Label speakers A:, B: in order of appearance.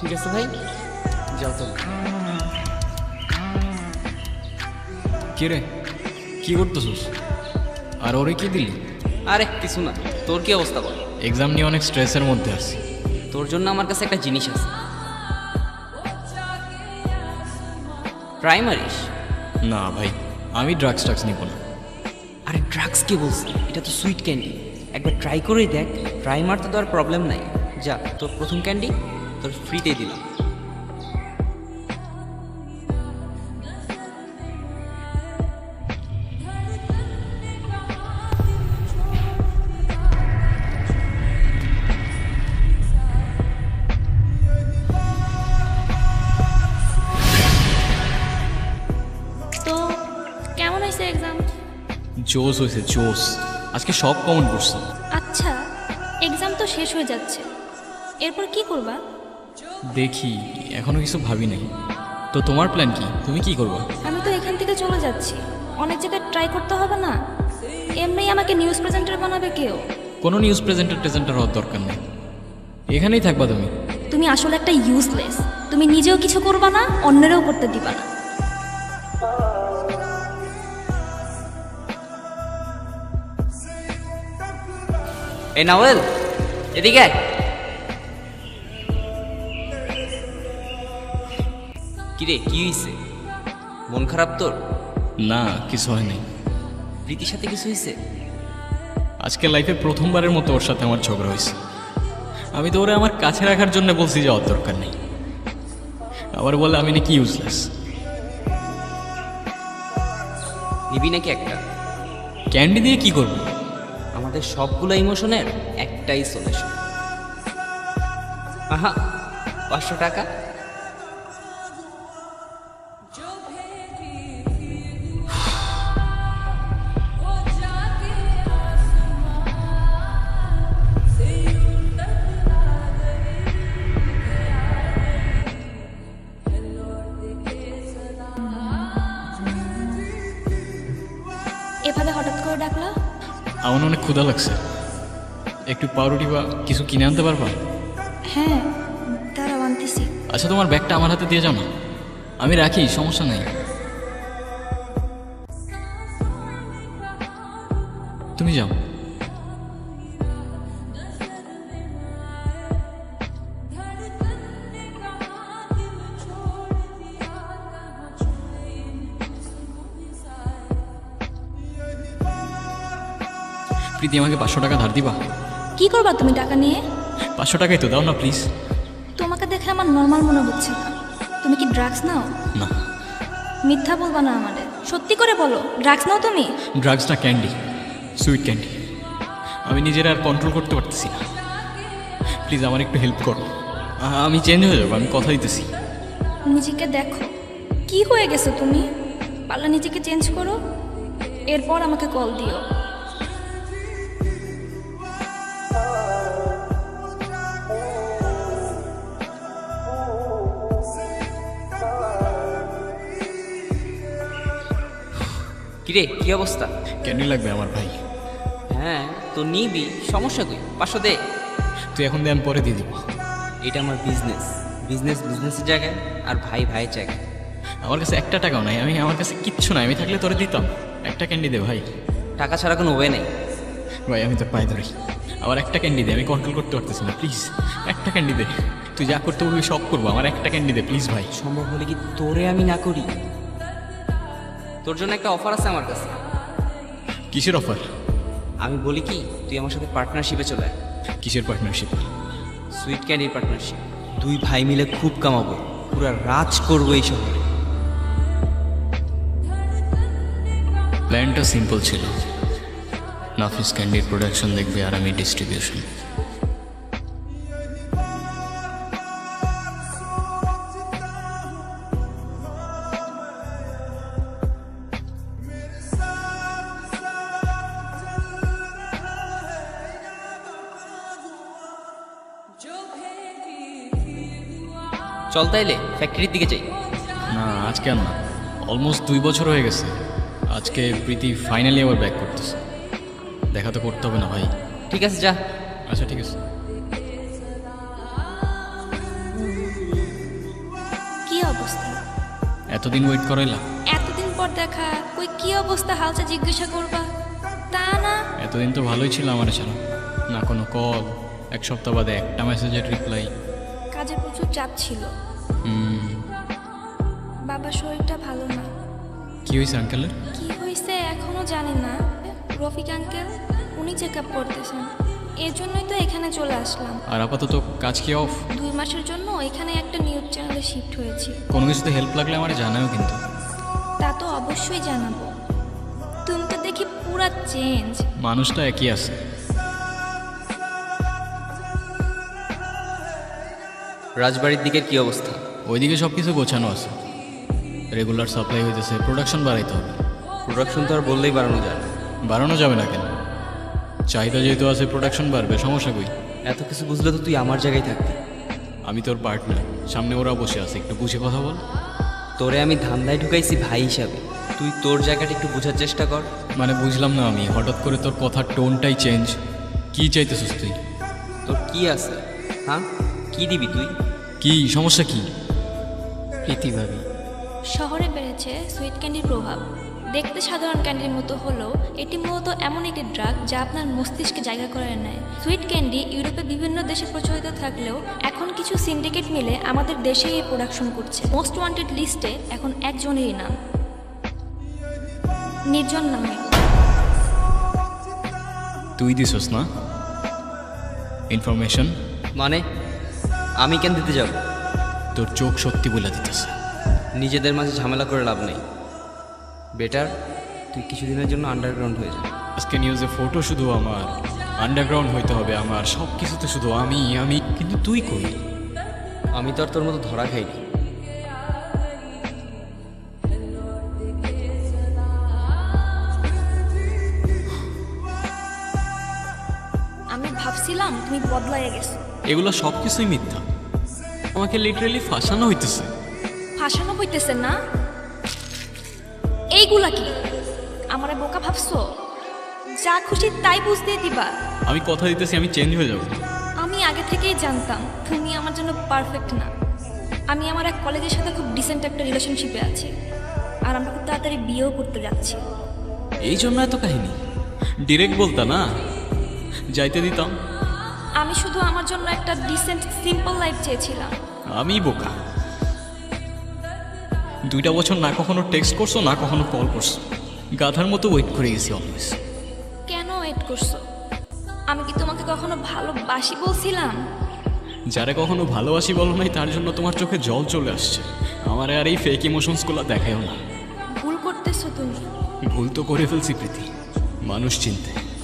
A: ঠিক আছে ভাই, যাও তো।
B: কি রে, কি করতেছিস? আর ওরে কি দিলি?
A: আরে কিছু না, তোর কি অবস্থা বল?
B: এক্সাম নিয়ে অনেক স্ট্রেসের মধ্যে আছি।
A: তোর জন্য আমার কাছে একটা জিনিস আছে, ট্রাই মারিস?
B: না ভাই, আমি ড্রাগস নিব না।
A: আরে ড্রাগস কি বলছি, এটা তো সুইট ক্যান্ডি, একবার ট্রাই করেই দেখ। ট্রাই মারতে তো আর প্রবলেম নাই। যা, তোর প্রথম ক্যান্ডি তোর ফ্রিতে দিলাম।
C: তো কেমন হয়েছে এক্সাম?
B: জোস হয়েছে, জোস। আজকে সব কমন করছে।
C: আচ্ছা, এক্সাম তো শেষ হয়ে যাচ্ছে, এরপর কি করবা?
B: দেখি, এখনো কিছু ভাবি নাই। তো তোমার প্ল্যান কি? তুমি কি করবা?
C: আমি তো এখান থেকে চলে যাচ্ছি, অনেক জায়গায় ট্রাই করতে হবে না? এমনিই আমাকে নিউজ প্রেজেন্টার বানাবে কেউ।
B: কোনো নিউজ প্রেজেন্টার হওয়ার দরকার নেই, এখানেই থাকবা তুমি।
C: তুমি আসলে একটা ইউজলেস। তুমি নিজেও কিছু করবা না, অন্যেরও করতে দিবা না।
A: এই নাওয়েল, এদিকে আয়। কিরে, কি হয়েছে? মন খারাপ তোর?
B: না, কিছু হয় নাই।
A: প্রীতির সাথে কিছু হয়েছে?
B: আজকে লাইফে প্রথমবারের মতো ওর সাথে আমার ঝগড়া হয়েছে। আমি তো ওরে আমার কাছে রাখার জন্য বলছি যাওয়ার দরকার নেই, আবার বলে আমি নাকি ইউজলেস।
A: নিবি নাকি একটা?
B: ক্যান্ডি দিয়ে কি করবো?
A: আমাদের সবগুলো ইমোশনের একটাই সলিউশন। আহা, 500 টাকা।
C: এভাবে হঠাৎ করে ডাকলা?
B: আমার অনেক ক্ষুধা লাগছে, একটু পাউরুটি বা কিছু কিনে আনতে পারবা?
C: হ্যাঁ, দাঁড়াও আনতেছি।
B: আচ্ছা, তোমার ব্যাগটা আমার হাতে দিয়ে যাও না, আমি রাখি, সমস্যা নাই। তুমি যাও। প্রীতি, আমাকে 500 টাকা ধার দিবা?
C: কি করবা তুমি টাকা নিয়ে?
B: 500 টাকাই তো দাও না প্লিজ।
C: তোমাকে দেখে আমার নর্মাল মনে হচ্ছে না। তুমি কি ড্রাগস নাও?
B: না,
C: মিথ্যা বলবা না আমারে, সত্যি করে বলো, ড্রাগস নাও তুমি?
B: ড্রাগস না, ক্যান্ডি, সুইট ক্যান্ডি। আমি নিজের আর কন্ট্রোল করতে পারতেছি না, প্লিজ আমার একটু হেল্প করো। আমি চেঞ্জ হয়ে যাবো, আমি কথা দিতেছি।
C: নিজেকে দেখো, কি হয়ে গেছো তুমি? পারলে নিজেকে চেঞ্জ করো, এরপর আমাকে কল দিও।
A: কিরে, কি অবস্থা?
B: ক্যান্ডি লাগবে আমার ভাই।
A: হ্যাঁ তো নিবি, সমস্যা কই? 500 দে।
B: তুই এখন দে, আমি পরে দিয়ে দিব।
A: এটা আমার বিজনেস, বিজনেসের জায়গায়, আর ভাই ভাইয়ের জায়গায়।
B: আমার কাছে একটা টাকাও নাই, আমার কাছে কিচ্ছু নাই, আমি থাকলে তোরে দিতাম। একটা ক্যান্ডি দে ভাই।
A: টাকা ছাড়া কোনো ওয়ে নেই।
B: ভাই আমি তোর পায়ে ধরি, আমার একটা ক্যান্ডি দে, আমি কন্ট্রোল করতে পারতেছি না, প্লিজ একটা ক্যান্ডি দে। তুই যা করতে বলবি সব করবো, আমার একটা ক্যান্ডি দে প্লিজ ভাই।
A: সম্ভব হলে কি তোরে আমি না করি? তোর জন্য একটা অফার আছে আমার কাছে।
B: কিসের অফার?
A: আমি বলি কি, তুই আমার সাথে পার্টনারশিপে চলে আয়।
B: কিসের পার্টনারশিপ?
A: Sweet ক্যান্ডির partnership. দুই ভাই মিলে খুব কামাবো, পুরা রাজ করবো এই শহরে।
B: প্ল্যানটা সিম্পল ছিল, নাফিস ক্যান্ডির প্রোডাকশন দেখবে আর আমি ডিস্ট্রিবিউশন।
A: চল তাইলে ফ্যাক্টরির দিকে যাই।
B: না আজকে আর না, অলমোস্ট 2 বছর হয়ে গেছে। আজকে প্রীতি ফাইনালি আবার ব্যাক করতেছে, দেখা তো করতে হবে না ভাই?
A: ঠিক আছে, যা।
B: আচ্ছা ঠিক আছে। এতদিন ওয়েট করাইলা?
C: এতদিন পর দেখা, কই কি অবস্থা হালচা জিজ্ঞাসা করবা, তা না।
B: এতদিন তো ভালোই ছিল আমার ছাড়া, না কোনো কল, এক সপ্তাহ বাদে একটা মেসেজের রিপ্লাই।
C: কাজে প্রচুর চাপ ছিল, বাবার শরীরটা ভালো না।
B: কি হয়েছে আঙ্কেলের?
C: কি হয়েছে এখনো জানি না। রফিক আঙ্কেল উনি চেক আপ করতেছেন, এর জন্যই তো এখানে চলে আসলাম।
B: আর আপাতত কাজ কি অফ?
C: 2 মাসের জন্য এখানে একটা নিউজ চ্যানেলে শিফট হয়েছি।
B: কোনো কিছুতে হেল্প লাগলে আমার জানাও কিন্তু।
C: তা তো অবশ্যই জানাবো। তুমি তো দেখি পুরা চেঞ্জ।
B: মানুষটা একই আছে।
A: রাজবাড়ির দিকের কি অবস্থা?
B: ওইদিকে সব কিছু গোছানো আছে, রেগুলার সাপ্লাই হইতেছে, প্রোডাকশন বাড়াইতে হবে।
A: প্রোডাকশন তো আর বললেই বাড়ানো যায় না।
B: বাড়ানো যাবে না কেন? চাহিদা যেহেতু আছে, প্রোডাকশন বাড়বে, সমস্যা কই?
A: এত কিছু বুঝলে তো তুই আমার জায়গায় থাকবি।
B: আমি তোর পার্টনার, সামনে ওরা বসে আছে, একটু বুঝে কথা বল।
A: তোরে আমি ধান্দায় ঢুকাইছি ভাই হিসাবে, তুই তোর জায়গাটা একটু বোঝার চেষ্টা কর।
B: মানে বুঝলাম না আমি, হঠাৎ করে তোর কথার টোনটাই চেঞ্জ। কি চাইতেছিস তুই?
A: তোর কি আছে? হ্যাঁ, কি দিবি তুই?
B: কি সমস্যা কি?
A: প্রীতি ভাবি।
C: শহরে বেড়েছে সুইট ক্যান্ডির প্রভাব। দেখতে সাধারণ ক্যান্ডির মতো হলেও এটি মূলত এমন একটি ড্রাগ যা আপনার মস্তিষ্কে জায়গা করে নেয়। সুইট ক্যান্ডি ইউরোপে বিভিন্ন দেশে প্রচলিত থাকলেও এখন কিছু সিন্ডিকেট মিলে আমাদের দেশেই এই প্রোডাকশন করছে। মোস্ট ওয়ান্টেড লিস্টে এখন একজনেরই নাম, নির্জন নামে।
B: তুই দিছস না ইনফরমেশন?
A: মানে আমি কেন দিতে যাব?
B: তোর চোখ সত্যি বলে দিতেছে।
A: নিজেদের মাঝে ঝামেলা করে লাভ নেই। বেটার তুই কিছুদিনের জন্য আন্ডারগ্রাউন্ড হয়ে যা।
B: আজকে নিউজে ফটো শুধু আমার, আন্ডারগ্রাউন্ড হইতে হবে আমার, সব কিছুতে শুধু আমি আমি। কিন্তু তুই কই?
A: আমি তো আর তোর মতো ধরা খাইনি।
C: আমি ভাবছিলাম তুমি বদলাইয়া গেছো।
B: এগুলো সব কিছুই মিথ্যা, আমাকে লিটারেলি ফাঁসানো হইতেছে।
C: ফাঁসানো হইতেছে না? এইগুলা কি আমারে বোকা ভাবছো? যা খুশি তাই বুঝতে দিবা।
B: আমি কথা দিতেছি আমি চেঞ্জ হয়ে যাব।
C: আমি আগে থেকেই জানতাম তুমি আমার জন্য পারফেক্ট না। আমি আমার এক কলেজের সাথে খুব ডিসেন্ট একটা রিলেশনশিপে আছি, আর আমরা খুব তাড়াতাড়ি বিয়েও করতে যাচ্ছি।
B: এই জন্য এত কাহিনী। ডিরেক্ট বলতা না, যাইতে দিতাম।
C: আমি শুধু আমার জন্য একটা ডিসেন্ট সিম্পল লাইফ চেয়েছিলাম।
B: আমি বোকা। 2টা বছর না কখনো টেক্সট করছো, না কখনো কল করছো, গাধার মতো ওয়েট করে গেছি অলওয়েজ।
C: কেন ওয়েট করছো? আমি কি তোমাকে কখনো ভালোবাসি বলছিলাম?
B: যারা কখনো ভালোবাসি বলো নাই তার জন্য তোমার চোখে জল চলে আসছে। আমার আর এই ফেক ইমোশনসগুলো দেখায়ও না।
C: ভুল করতেছো তুমি।
B: ভুল তো করে ফেলছি প্রীতি, মানুষ চিনতে।